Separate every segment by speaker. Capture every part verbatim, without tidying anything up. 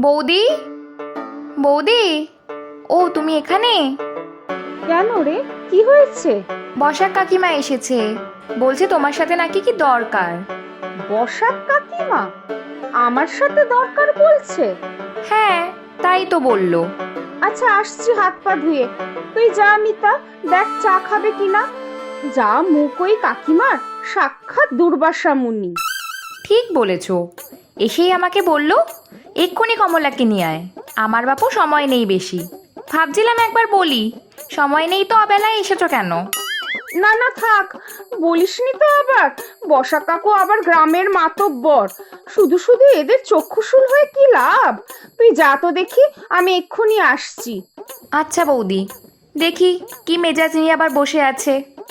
Speaker 1: বৌদি, বৌদি, ও তুমি এখানে?
Speaker 2: কেন রে, কি হয়েছে?
Speaker 1: বসাক কাকিমা এসেছে, বলছে তোমার সাথে নাকি কি দরকার।
Speaker 2: বসাক কাকিমা আমার সাথে দরকার বলছে?
Speaker 1: হ্যাঁ, তাই তো বললো।
Speaker 2: আচ্ছা, আসছি হাত পা ধুয়ে। তুই যা মিতা, দেখ চা খাবে কিনা। যা মুখ ওই কাকিমার, সাক্ষাৎ দুর্বাসা মুনি।
Speaker 1: ঠিক বলেছ, এসেই আমাকে বলল এক্ষুনি কমলাকে নিয়ে আয়, আমার বাপু সময় নেই বেশি। ভাবছিলাম একবার বলি, সময় নেই তো অবেলায় এসেছো কেন?
Speaker 2: না না থাক, বলিসনি তো আবার। বসা কাকু আবার গ্রামের মাতব্বর, শুধু শুধু এদের চক্ষুশূল হয়ে কি লাভ। তুই যা তো দেখি, আমি এক্ষুনি আসছি।
Speaker 1: আচ্ছা বৌদি, দেখি কি মেজাজ নিয়ে আবার বসে আছে।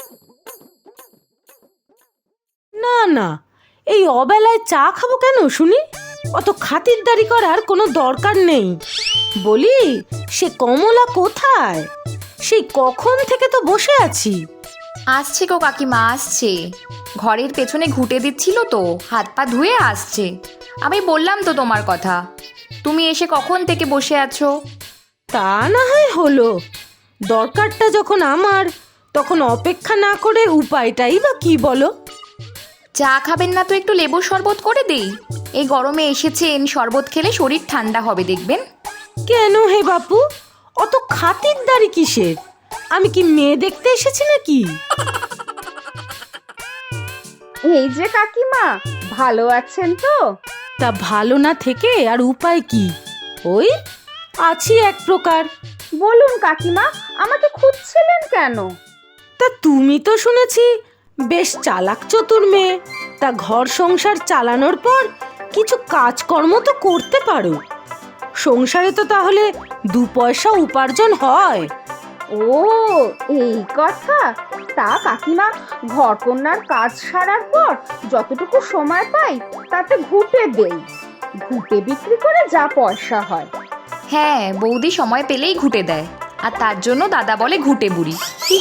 Speaker 3: না না, এই অবেলায় চা খাবো কেন শুনি? অত খাতিরদারি করার কোনো দরকার নেই। বলি, সে কমলা কোথায়? সেই কখন থেকে তো বসে আছি।
Speaker 1: আসছে গো কাকিমা, আসছে। ঘরের পেছনে ঘুঁটে দিচ্ছিল তো, হাত পা ধুয়ে আসছে। আমি বললাম তো তোমার কথা, তুমি এসে কখন থেকে বসে আছো।
Speaker 3: তা না হয় হলো, দরকারটা যখন আমার, তখন অপেক্ষা না করে উপায়টাই বা কি বলো?
Speaker 1: চা খাবেন না তো একটু লেবুর শরবত করে দেই? এই গরমে এসেছেন, শরবত খেলে শরীর ঠান্ডা হবে দেখবেন।
Speaker 3: কেন হে বাপু, অত খাতিরদারি কিসের? আমি কি মেয়ে দেখতে এসেছি নাকি?
Speaker 2: এই যে কাকিমা, ভালো আছেন তো?
Speaker 3: তা ভালো না থেকে আর উপায় কি? ওই আছি এক প্রকার।
Speaker 2: বলুন কাকিমা, আমাকে খুঁজছিলেন কেন?
Speaker 3: তা তুমি তো শুনেছি বেশ চালাক চতুর মেয়ে, তা ঘর সংসার চালানোর পর কিছু কাজকর্ম তো করতে পারো। সংসারে তো তাহলে দু পয়সা উপার্জন হয়।
Speaker 2: ও, এই কথা। তা কাকিমা, ঘরকন্যার কাজ সারার পর যতটুকু সময় পাই তাতে ঘুঁটে দেই। ঘুঁটে বিক্রি করে যা পয়সা হয়।
Speaker 1: হ্যাঁ, বৌদি সময় পেলেই ঘুঁটে দেয়, আর তার জন্য দাদা বলে ঘুঁটে বুড়ি।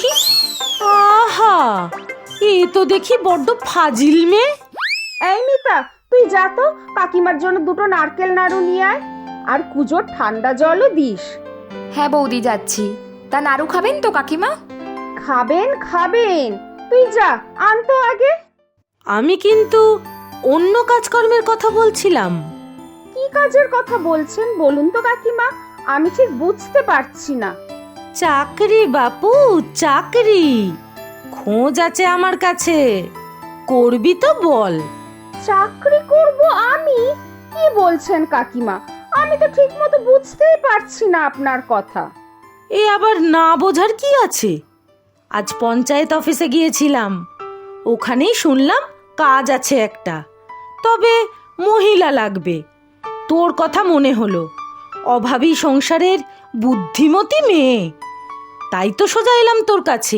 Speaker 3: আহা, এ তো দেখি বড্ড ফাজিল মেয়ে।
Speaker 2: এই মিতা, তুই যা তো, কাকিমার জন্য দুটো নারকেল নাড়ু নিয়ে আয়, আর কুজোর ঠান্ডা জলও দিস।
Speaker 1: হ্যাঁ বৌদি, যাচ্ছি। তা নাড়ু খাবেন তো কাকিমা?
Speaker 2: খাবেন খাবেন, তুই যা, আনতো আগে।
Speaker 3: আমি কিন্তু অন্য কাজকর্মের কথা বলছিলাম।
Speaker 2: কি কাজের কথা বলছেন বলুন তো কাকিমা, আমি ঠিক বুঝতে পারছি না।
Speaker 3: চাকরি বাপু, চাকরি খোঁজ আছে আমার কাছে, করবি তো বল।
Speaker 2: চাকরি করব আমি? কি বলছেন কাকিমা, আমি তো ঠিক মতো বুঝতেই পারছি না আপনার কথা।
Speaker 3: এ আবার না বোঝার কি আছে? আজ পঞ্চায়েত অফিসে গিয়েছিলাম, ওখানেই শুনলাম কাজ আছে একটা, তবে মহিলা লাগবে। তোর কথা মনে হলো, অভাবী সংসারের বুদ্ধিমতী মেয়ে, তাই তো সোজা এলাম তোর কাছে।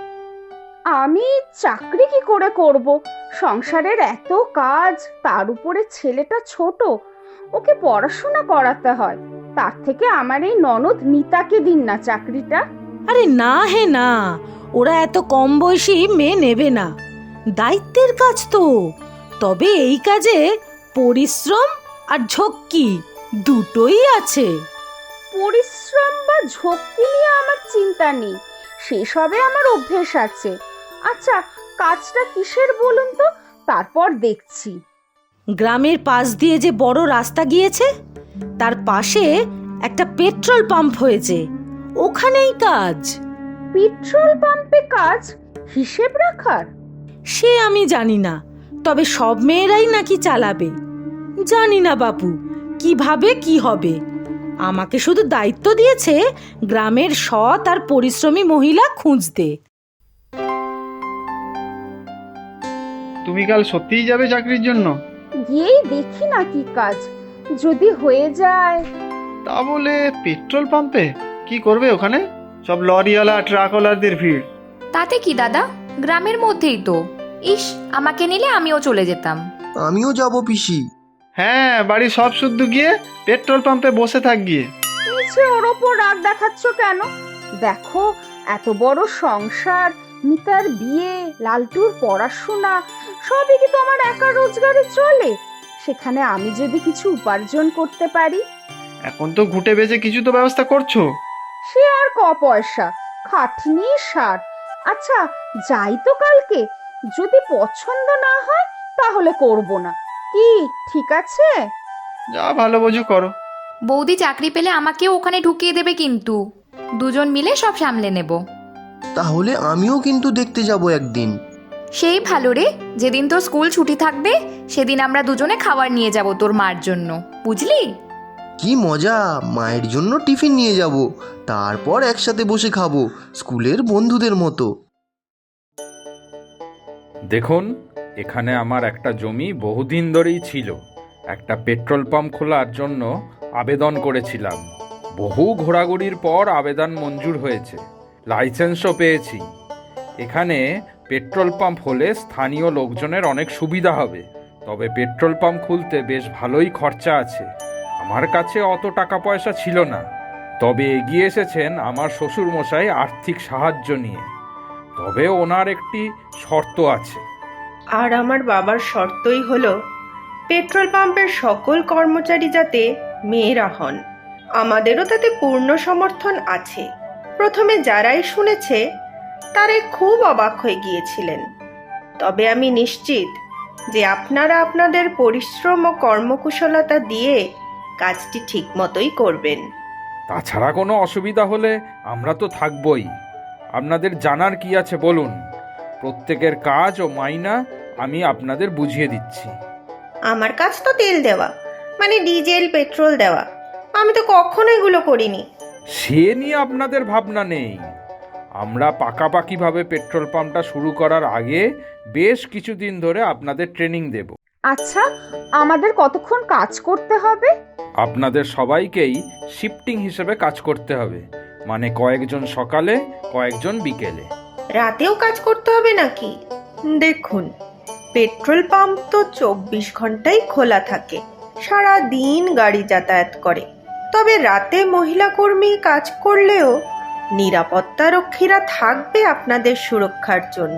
Speaker 2: আমি চাকরি কি করে করব? সংসারের এত কাজ, তার উপরে ছেলেটা ছোট, ওকে পড়াশোনা করাতে হয়। তার থেকে আমার এই ননদ মিতাকে দিন না চাকরিটা।
Speaker 3: আরে না হে না, ওরা এত কম বয়সী মেয়ে নেবে না, দায়িত্বের কাজ তো। তবে এই কাজে পরিশ্রম আর ঝক্কি দুটোই আছে।
Speaker 2: পরিশ্রম বা ঝক্কি নিয়ে আমার চিন্তা নেই, সেসবে আমার অভ্যেস আছে। আচ্ছা, কাজটা কিসের বলুন তো, তারপর দেখছি।
Speaker 3: গ্রামের পাশ দিয়ে যে বড় রাস্তা গিয়েছে, তার পাশে একটা পেট্রোল পাম্প হয়েছে, ওখানেই কাজ।
Speaker 2: পেট্রোল পাম্পে কাজ? হিসেব রাখার?
Speaker 3: সে আমি জানি না, তবে সব মেয়েরাই নাকি চালাবে। জানি না বাপু, কিভাবে কি হবে। আমাকে শুধু দায়িত্ব দিয়েছে গ্রামের সৎ আর পরিশ্রমী মহিলা খুঁজতে।
Speaker 4: তুমি কাল সত্যিই যাবে চাকরির জন্য?
Speaker 2: গিয়েই দেখি না কি কাজ, যদি হয়ে যায়।
Speaker 4: তা বলে পেট্রোল পাম্পে কি করবে ওখানে? সব লরিওয়ালা ট্রাকওয়ালাদের ভিড়।
Speaker 1: তাতে কি দাদা, গ্রামের মধ্যেই তো। ইস, আমাকে নিলে আমিও চলে যেতাম।
Speaker 5: আমিও যাব পিসি।
Speaker 4: হ্যাঁ, বাড়ি সব শুদ্ধ গিয়ে পেট্রোল পাম্পে বসে থাক গিয়ে।
Speaker 2: নিচে ওর ওপর রাগ দেখাচ্ছ কেন? দেখো, এত বড় সংসার, মিতার বিয়ে, লালটুর পড়াশোনা, সবই কি তোমার একা রোজগারে চলে? সেখানে আমি যদি কিছু উপার্জন করতে পারি,
Speaker 4: এখন তো ঘুটে বেচে কিছু তো ব্যবস্থা করছো।
Speaker 2: সে আর ক পয়সা, খাটনি সার। আচ্ছা যাই তো কালকে, যদি পছন্দ না হয় তাহলে করব না, কি ঠিক আছে?
Speaker 4: যা ভালো বোঝো করো।
Speaker 1: বৌদি চাকরি পেলে আমাকেও ওখানে ঢুকিয়ে দেবে কিন্তু, দুজন মিলে সব সামলে নেব।
Speaker 5: তাহলে আমিও কিন্তু দেখতে যাব একদিন।
Speaker 1: সেই ভালো রে, যেদিন তোর স্কুল ছুটি থাকবে সেদিন আমরা দুজনে খাবার নিয়ে যাব তোর মার জন্য, বুঝলি?
Speaker 5: কি মজা, মায়ের জন্য টিফিন নিয়ে যাব, তারপর একসাথে বসে খাবো স্কুলের বন্ধুদের মতো।
Speaker 6: দেখুন, এখানে আমার একটা জমি বহুদিন ধরেই ছিল। একটা পেট্রোল পাম্প খোলার জন্য আবেদন করেছিলাম। বহু ঘোরাঘুরির পর আবেদন মঞ্জুর হয়েছে, লাইসেন্সও পেয়েছি। এখানে পেট্রোল পাম্প হলে স্থানীয় লোকজনের অনেক সুবিধা হবে। তবে পেট্রোল পাম্প খুলতে বেশ ভালোই খরচা আছে। আমার কাছে অত টাকা পয়সা ছিল না, তবে এগিয়ে এসেছেন আমার শ্বশুরমশাই আর্থিক সাহায্য নিয়ে। তবে ওনার একটি শর্ত আছে।
Speaker 7: আর আমার বাবার শর্তই হলো পেট্রোল পাম্পের সকল কর্মচারী যাতে মেয়েরা হন। আমাদেরও তাতে পূর্ণ সমর্থন আছে। প্রথমে যারাই শুনেছে তারাই খুব অবাক হয়ে গিয়েছিলেন। তবে আমি নিশ্চিত যে আপনারা আপনাদের পরিশ্রম ও কর্মকুশলতা দিয়ে কাজটি ঠিক মতোই করবেন।
Speaker 6: তাছাড়া কোনো অসুবিধা হলে আমরা তো থাকবই। আপনাদের জানার কি আছে বলুন? প্রত্যেকের কাজ ও মাইনা আমি আপনাদের বুঝিয়ে দিচ্ছি।
Speaker 7: আমার কাজ তো তেল দেওয়া, মানে ডিজেল পেট্রোল দেওয়া। আমি তো কখনো এগুলো করিনি।
Speaker 6: সে নিয়ে আপনাদের ভাবনা নেই। আমরা পাকাপাকিভাবে পেট্রোল পাম্পটা শুরু করার আগে বেশ কিছুদিন ধরে আপনাদের ট্রেনিং দেব।
Speaker 2: আচ্ছা আমাদের কতক্ষণ কাজ করতে হবে?
Speaker 6: আপনাদের সবাইকেই শিফটিং হিসেবে কাজ করতে হবে, মানে কয়েকজন সকালে কয়েকজন বিকেলে।
Speaker 7: রাতেও কাজ করতে হবে নাকি? দেখুন, পেট্রোল পাম্প তো চব্বিশ ঘন্টাই খোলা থাকে, সারা দিন গাড়ি যাতায়াত করে। তবে রাতে মহিলা কর্মী কাজ করলেও নিরাপত্তা রক্ষীরা থাকবে আপনাদের সুরক্ষার জন্য।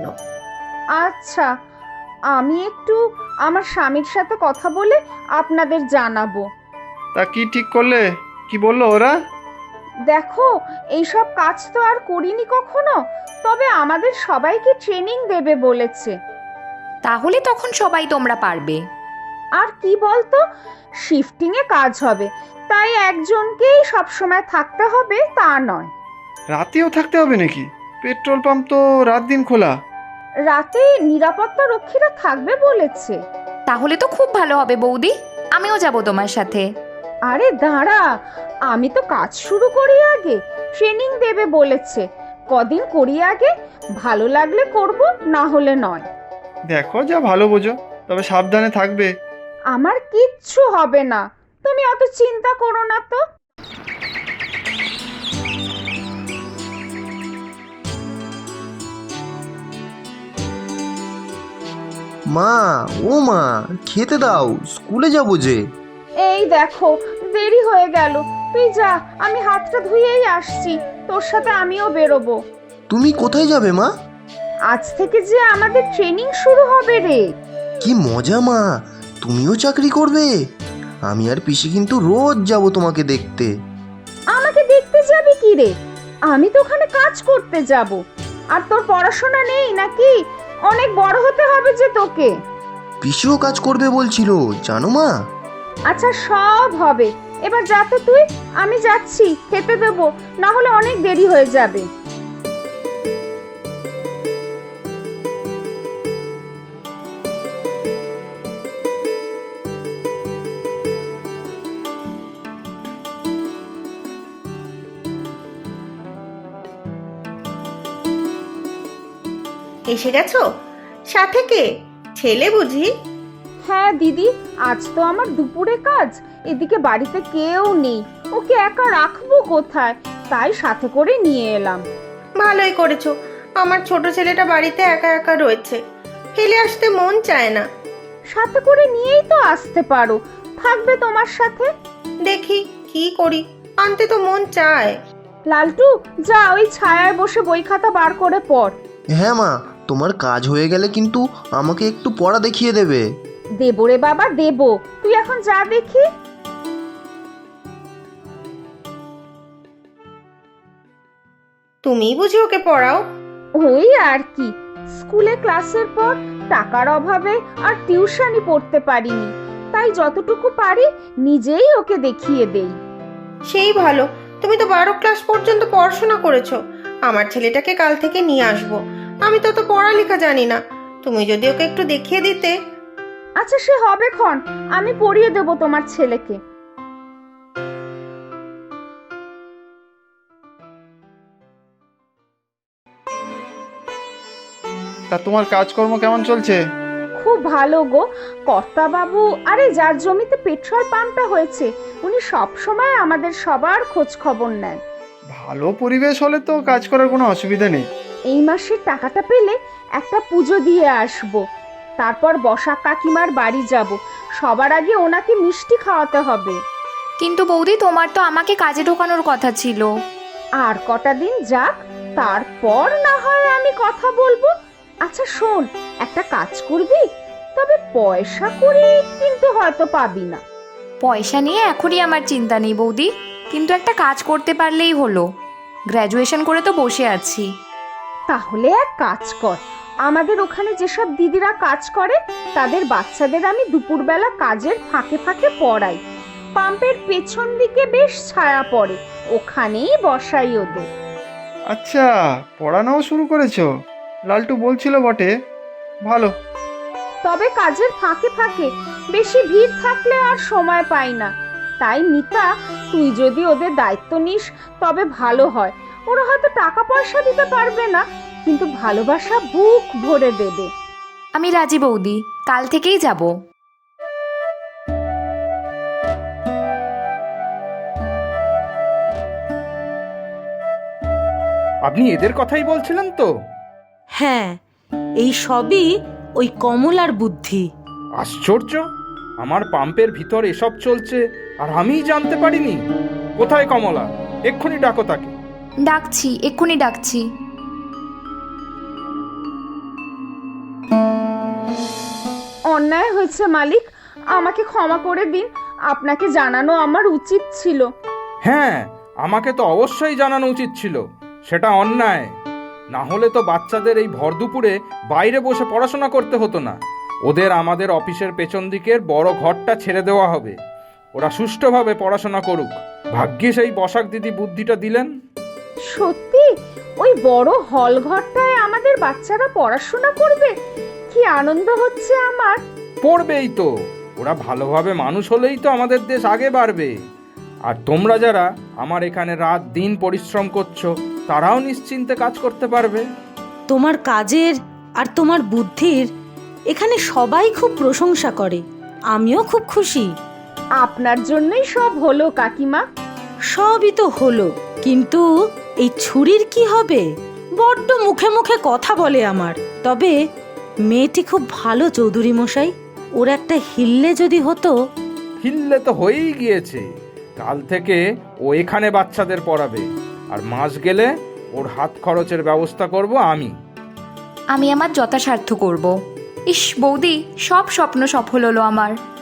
Speaker 2: আচ্ছা আমি একটু আমার স্বামীর সাথে কথা বলে আপনাদের জানাবো।
Speaker 4: তা কি ঠিক করলে? কি বললো ওরা?
Speaker 2: দেখো এইসব কাজ তো আর করিনি কখনো, তবে আমাদের সবাইকে ট্রেনিং দেবে বলেছে।
Speaker 1: তাহলে তখন সবাই তোমরা পারবে।
Speaker 2: আর কি বলতো, শিফটিংয়ে কাজ হবে, তাই একজনকেই সবসময় থাকতে হবে তা নয়।
Speaker 4: রাতেও থাকতে হবে নাকি? পেট্রোল পাম্প তো রাত দিন খোলা।
Speaker 2: রাতে নিরাপত্তা রক্ষীরা থাকবে বলেছে।
Speaker 1: তাহলে তো খুব ভালো হবে বৌদি, আমিও যাব তোমার সাথে।
Speaker 2: আরে দাঁড়া, আমি তো কাজ শুরু করি আগে, ট্রেনিং দেবে বলেছে। কদিন করি আগে, ভালো লাগলে করব, না হলে নয়।
Speaker 4: দেখো যা ভালো বোঝো, তবে সাবধানে থাকবে।
Speaker 2: আমার কিচ্ছু হবে না, তুমি অত চিন্তা করো না তো।
Speaker 5: মা, ও মা, খেতে দাও, স্কুলে যাবো যে।
Speaker 2: এই দেখো দেরি হয়ে গেল, তুই যা, আমি হাতটা ধুয়েই আসছি, তোর সাথে আমিও বেরোবো।
Speaker 5: তুমি কোথায় যাবে মা?
Speaker 2: আজ থেকে যে আমাদের ট্রেনিং শুরু হবে রে।
Speaker 5: কি মজা মা, তুমিও চাকরি করবে? আমি আর পিসি কিন্তু রোজ যাব তোমাকে দেখতে।
Speaker 2: আমাকে দেখতে যাবি কি রে? আমি তো ওখানে কাজ করতে যাব। আর তোর পড়াশোনা নেই নাকি? অনেক বড় হতে হবে যে তোকে।
Speaker 5: পিসিও কাজ করবে বলছিল জানো মা।
Speaker 2: আচ্ছা সব হবে, এবার যা তো তুই, আমি যাচ্ছি, খেতে দেবো, না হলে অনেক দেরি হয়ে যাবে।
Speaker 7: এসে গেছো? সাথে কে? ছেলে বুঝি?
Speaker 2: হ্যাঁ দিদি, আজ তো আমার দুপুরে কাজ, এদিকে বাড়িতে কেউ নেই, ওকে একা রাখবো কোথায়, তাই সাথে করে নিয়ে এলাম।
Speaker 7: ভালোই করেছো। আমার ছোট ছেলেটা বাড়িতে একা একা রয়েছে, ফেলে আসতে মন চায় না।
Speaker 2: সাথে করে নিয়েই তো আসতে পারো, থাকবে তোমার সাথে।
Speaker 7: দেখি কি করি, আনতে তো মন চায়।
Speaker 2: লালটু যা, ওই ছায়ায় বসে বই খাতা বার করে পড়।
Speaker 5: হ্যাঁ মা, তোমার কাজ হয়ে গেলে কিন্তু আমাকে একটু পড়া দেখিয়ে দেবে।
Speaker 2: দেবো রে বাবা দেবো, তুই এখন যা দেখি।
Speaker 7: তুমিই বুঝি ওকে পড়াও?
Speaker 2: ওই আর কি, স্কুলে ক্লাসের পর টাকার অভাবে আর টিউশনি পড়তে পারিনি, তাই যতটুকু পারি নিজেই ওকে দেখিয়ে দেই।
Speaker 7: সেই ভালো, তুমি তো বারো ক্লাস পর্যন্ত পড়াশোনা করেছো। আমার ছেলেটাকে কাল থেকে নিয়ে আসবো। আমি তো তো পড়ালেখা জানি না, তুমি যদি ওকে একটু দেখিয়ে দিতে।
Speaker 2: আচ্ছা সে হবে ক্ষণ, আমি পড়িয়ে দেব তোমার ছেলেকে।
Speaker 4: তা তোমার কাজকর্ম কেমন চলছে?
Speaker 2: খুব ভালো গো কর্তা বাবু, আরে যার জমিতে পেট্রোল পাম্পটা হয়েছে উনি সব সময় আমাদের সবার খোঁজ খবর নেন।
Speaker 4: ভালো পরিবেশ হলে তো কাজ করার কোনো অসুবিধা নেই।
Speaker 2: এই মাসের টাকাটা পেলে একটা পুজো দিয়ে আসব, তারপর বসাক কাকিমার বাড়ি যাব। সবার আগে ওনাকে মিষ্টি খাওয়াতে হবে।
Speaker 1: কিন্তু বৌদি, তোমার তো আমাকে কাজে ঢোকানোর কথা ছিল।
Speaker 2: আর কটা দিন যাক, তারপর না হয় আমি কথা বলবো। আচ্ছা শোন, একটা কাজ করবি, তবে পয়সা করে কিন্তু হয়তো পাবি না।
Speaker 1: পয়সা নিয়ে এখনই আমার চিন্তা নেই বৌদি, কিন্তু একটা কাজ করতে পারলেই হলো। গ্র্যাজুয়েশন করে তো বসে আছি।
Speaker 2: তাহলে এক কাজ কর, আমাদের ওখানে যেসব দিদিরা কাজ করে তাদের বাচ্চাদের আমি দুপুরবেলা কাজের ফাঁকে ফাঁকে পড়াই। পাম্পের পেছন দিকে বেশ ছায়া পড়ে, ওখানেই বসাই ওদের।
Speaker 4: আচ্ছা, পড়ানোও শুরু করেছো? লালটু বলছিল বটে, ভালো।
Speaker 2: তবে কাজের ফাঁকে ফাঁকে, বেশি ভিড় থাকলে আর সময় পাই না। তাই মিতা, তুই যদি ওদের দায়িত্ব নিস তবে ভালো হয়। ওরা হয়তো টাকা পয়সা দিতে পারবে না, কিন্তু ভালোবাসা বুক ভরে দেবে।
Speaker 1: আমি রাজি বৌদি, কাল থেকেই যাব।
Speaker 6: আপনি এদের কথাই বলছিলেন তো?
Speaker 3: হ্যাঁ, এই সবই ওই কমলার বুদ্ধি।
Speaker 6: আশ্চর্য, আমার পাম্পের ভিতর এসব চলছে আর আমিই জানতে পারিনি। কোথায় কমলা? এক্ষুনি ডাকো তাকে।
Speaker 1: ডাকছি, এক্ষুনি ডাকছি।
Speaker 2: অন্যায় হয়েছে মালিক, আমাকে ক্ষমা করে দিন। আপনাকে জানানো আমার উচিত ছিল।
Speaker 6: হ্যাঁ, আমাকে তো অবশ্যই জানানো উচিত ছিল। সেটা অন্যায়। না হলে তো বাচ্চাদের এই ভর দুপুরে বাইরে বসে পড়াশোনা করতে হতো না। ওদের আমাদের অফিসের পেছন দিকের বড় ঘরটা ছেড়ে দেওয়া হবে। ওরা সুষ্ঠুভাবে পড়াশোনা করুক। ভাগ্যিস এই বসাক দিদি বুদ্ধিটা দিলেন।
Speaker 2: সত্যি ওই বড় হল ঘরটায় আমাদের বাচ্চারা পড়াশোনা করবে? কি আনন্দ হচ্ছে আমার।
Speaker 6: পড়বেই তো, ওরা ভালোভাবে মানুষ হলেই তো আমাদের দেশ আগে বাড়বে। আর তোমরা যারা আমার এখানে রাত দিন পরিশ্রম করছো, তারাও নিশ্চিন্তে কাজ করতে পারবে।
Speaker 3: তোমার কাজের আর তোমার বুদ্ধির এখানে সবাই খুব প্রশংসা করে। আমিও খুব খুশি।
Speaker 2: আপনার জন্যই সব হলো কাকিমা।
Speaker 3: সবই তো হলো, কিন্তু এই ছুরির কি হবে? বড্ড মুখে মুখে কথা বলে আমার। তবে মেয়েটি খুব ভালো চৌধুরী মশাই, ওর একটা হিল্লে যদি হতো।
Speaker 6: হিল্লে তো হয়েই গিয়েছে। কাল থেকে ও এখানে বাচ্চাদের পড়াবে, আর মাস গেলে ওর হাত খরচের ব্যবস্থা করব আমি।
Speaker 1: আমি আমার যথাসাধ্য করব। ইস বৌদি, সব স্বপ্ন সফল হলো আমার।